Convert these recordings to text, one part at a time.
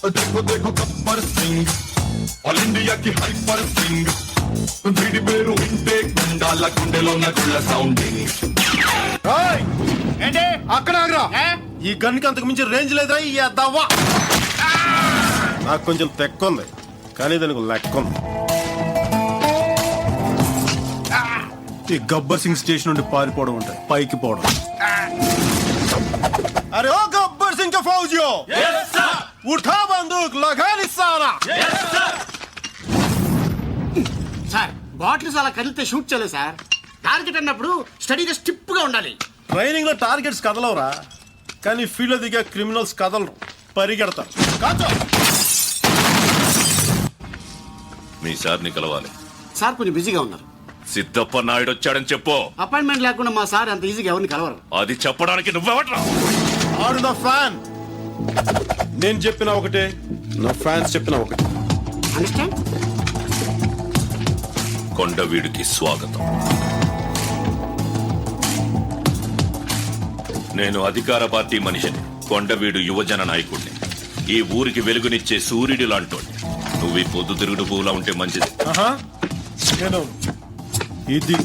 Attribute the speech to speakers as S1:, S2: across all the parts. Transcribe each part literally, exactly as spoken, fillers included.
S1: देखो देखो Gabbar Singh all India की हाइपर सिंग వీడి పేరు వింటే గుండాల గుండెలో నగుళ్ళ సౌండింగ్.
S2: ఏంటి
S3: అక్కడ ఆగరా. ఈ గన్కి అంతకు మించి రేంజ్ లేదా ఈ అద్దవ్వా. నాకు కొంచెం తెక్కుంది కానీ దానికి లెక్క ఉంది. ఈ గబ్బర్ సింగ్ స్టేషన్ నుండి పారిపోవడం ఉంటాయి, పైకి పోవడం. అరే ఓ గబ్బర్ సింగ్ కా ఫౌజియో, ఉఠా బందూక్ లగా నిశానా.
S2: సార్ బాటిల్స్ అలా కదిలితే షూట్ చేయలేదు సార్. టార్గెట్ అన్నప్పుడు స్టడీగా స్టిప్ గా ఉండాలి.
S3: ట్రైనింగ్ లో టార్గెట్స్ కదలవురా, కానీ ఫీల్డ్ లో దిగే క్రిమినల్స్ కదలరు, పరిగెడతారు. కాచో.
S4: మీ సార్ని కలవాలి.
S2: సార్ కొంచెం బిజీగా ఉన్నారు.
S4: సిద్ధప్ప నాయుడు వచ్చాడని చెప్పు.
S2: అపాయింట్మెంట్ లేకుండా మా సార్ అంత ఈజీగా ఎవరిని కలవరు.
S4: అది చెప్పడానికి నువ్వెవట్రా?
S3: ఆడు నా ఫ్యాన్. నేను చెప్పిన ఒకటే, నా ఫ్యాన్స్ చెప్పిన ఒకటే.
S2: అండర్స్టాండ్?
S4: కొండవీడికి స్వాగతం. నేను అధికార పార్టీ మనిషిని, కొండవీడు యువజన నాయకుడిని, ఈ ఊరికి వెలుగునిచ్చే సూర్యుడి లాంటోడి. నువ్వు ఈ పొద్దు తిరుగుడు పూలా ఉంటే మంచిది.
S3: నేను ఇది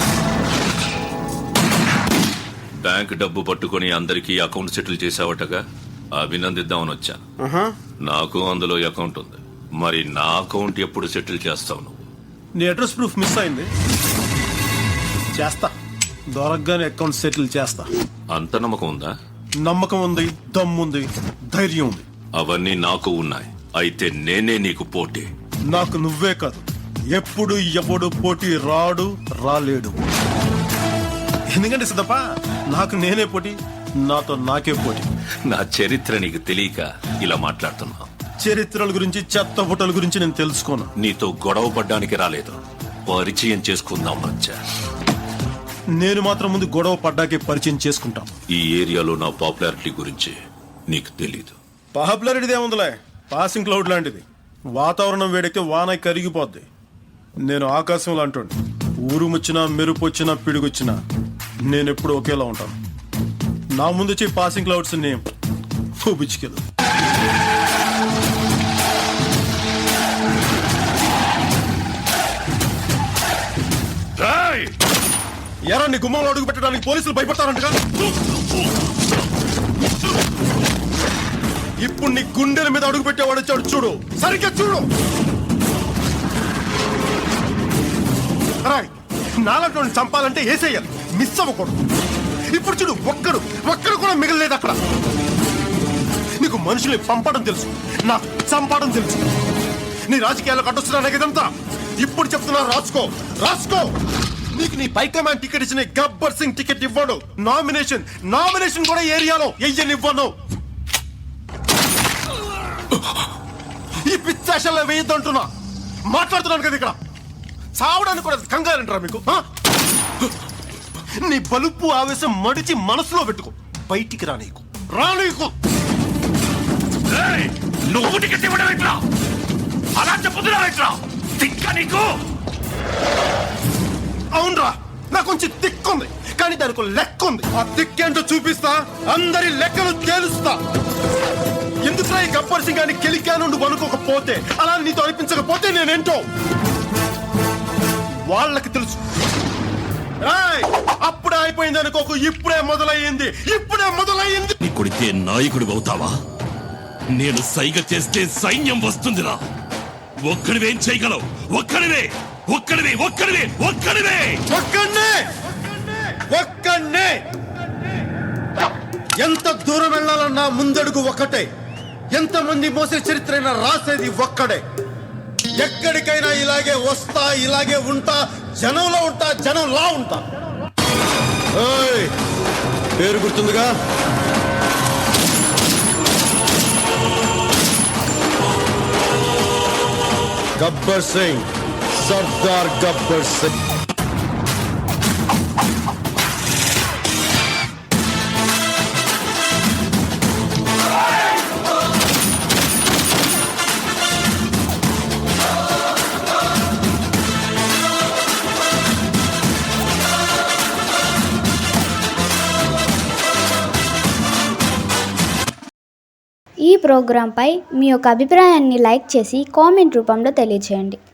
S4: బ్యాంక్ డబ్బు పట్టుకొని అందరికీ అకౌంట్ సెటిల్ చేసావటగా, అభినందిద్దామని వచ్చాను. నాకు అందులో అకౌంట్ ఉంది. మరి నా అకౌంట్ ఎప్పుడు సెటిల్ చేస్తావు నువ్వు?
S3: నీ అడ్రస్ ప్రూఫ్ మిస్ అయింది, చేస్తా. దొరకగానే అకౌంట్ సెటిల్ చేస్తా.
S4: అంత నమ్మకం ఉందా?
S3: నమ్మకం ఉంది, దమ్ముంది, ధైర్యం ఉంది.
S4: అవన్నీ నాకు ఉన్నాయి. అయితే నేనే నీకు పోటీ.
S3: నాకు నువ్వే కాదు, ఎప్పుడు ఎవడు పోటీ రాడు, రాలేడు. ఎందుకంటే సిద్ధప్ప, నాకు నేనే పోటీ, నాతో నాకే పోటీ.
S4: నా చరిత్ర నీకు తెలియక ఇలా మాట్లాడుతున్నా.
S3: చరిత్రల గురించి, చెత్త బుట్టల గురించి నేను తెలుసుకోను.
S4: నీతో గొడవ పడ్డానికి రాలేదు, పరిచయం చేసుకుందాం వచ్చా.
S3: నేను మాత్రం ముందు గొడవ పడ్డాకే పరిచయం చేసుకుంటాం.
S4: ఈ ఏరియాలో నా పాపులారిటీ గురించి నీకు తెలీదు.
S3: పాపులారిటీది ఏముందిలే, పాసింగ్ క్లౌడ్ లాంటిది. వాతావరణం వేడెక్కితే వాన కరిగిపోద్ది. నేను ఆకాశం లాంటి, ఊరుముచ్చినా మెరుపు వచ్చినా పిడుగొచ్చినా నేను ఎప్పుడు ఒకేలా ఉంటాను. నా ముందు వచ్చి పాసింగ్ క్లౌడ్స్ నేమ్ బిచ్చికెళ్ళు. ఎరా నీ గుమ్మంలో అడుగు పెట్టడానికి పోలీసులు భయపడతారంటగా. ఇప్పుడు నీ గుండెల మీద అడుగు పెట్టేవాడు వచ్చాడు చూడు, సరిగ్గా చూడు. నాలుగు చంపాలంటే వేసేయాలి, మిస్ అవ్వకూడదు. ఇప్పుడు చూడు, ఒక్కడు ఒక్కడు కూడా మిగలలేదు అక్కడ. నీకు మనుషుల్ని పంపడం తెలుసు, నాకు చంపడం తెలుసు. నీ రాజకీయాలకు అడ్డొస్తున్నా నాకు ఇదంతా. ఇప్పుడు చెప్తున్నా, రాసుకో రాసుకో. నీకు నీ పైకమాండ్ టికెట్ ఇచ్చిన గబ్బర్ సింగ్ టికెట్ ఇవ్వడు. నామినేషన్ నామినేషన్ కూడా ఏరియాలో వెయ్యనివ్వను. ఈ పిచ్చాషల్లో వేయద్దంటున్నా, మాట్లాడుతున్నాను కదా. ఇక్కడ చావడానికి కూడా కంగారంటారా మీకు? నీ బలుపు ఆవేశం మడిచి మనసులో పెట్టుకో, బయటికి రానీకు రానీకు.
S4: నువ్వు టికెట్ ఇవ్వడం ఎట్లా? అలా చెప్పుతున్నావు ఎట్లా? తిక్క నీకు.
S3: అవునరా, నాకు కొంచెం తిక్కుంది, కానీ దానికి లెక్క ఉంది. ఆ తిక్కేంటో చూపిస్తా, అందరి లెక్కలు తేలుస్తా. ఎందుకురా ఈ గబ్బర్ సింగ్ గాని కెలికా నుండి వనుకోకపోతే, అలా నీతో అనిపించకపోతే నేనేంటో వాళ్ళకి తెలుసు. అప్పుడే అయిపోయింది అనుకోకు, ఇప్పుడే మొదలయ్యింది, ఇప్పుడే మొదలయ్యింది.
S5: నీ కొడితే నాయకుడు అవుతావా? నేను సైగ చేస్తే సైన్యం వస్తుందిరా. ఒక్కడివేం చేయగలవు? ఒక్కడివే ఒక్కడివే ఒక్కడివే ఒక్కడివే
S3: ఒక్కడే ఒక్కడే. ఎంత దూరం వెళ్ళాలన్నా ముందడుగు ఒక్కటే. ఎంతమంది మోసే చరిత్రైనా రాసేది ఒక్కడే. ఎక్కడికైనా ఇలాగే వస్తా, ఇలాగే ఉంటా, జనంలో ఉంటా, జనంలా ఉంటా. పేరు గుర్తుందిగా? గబ్బర్ సింగ్, సర్దార్ గబ్బర్ సింగ్.
S6: ఈ ప్రోగ్రాంపై మీ యొక్క అభిప్రాయాన్ని లైక్ చేసి కామెంట్ రూపంలో తెలియచేయండి.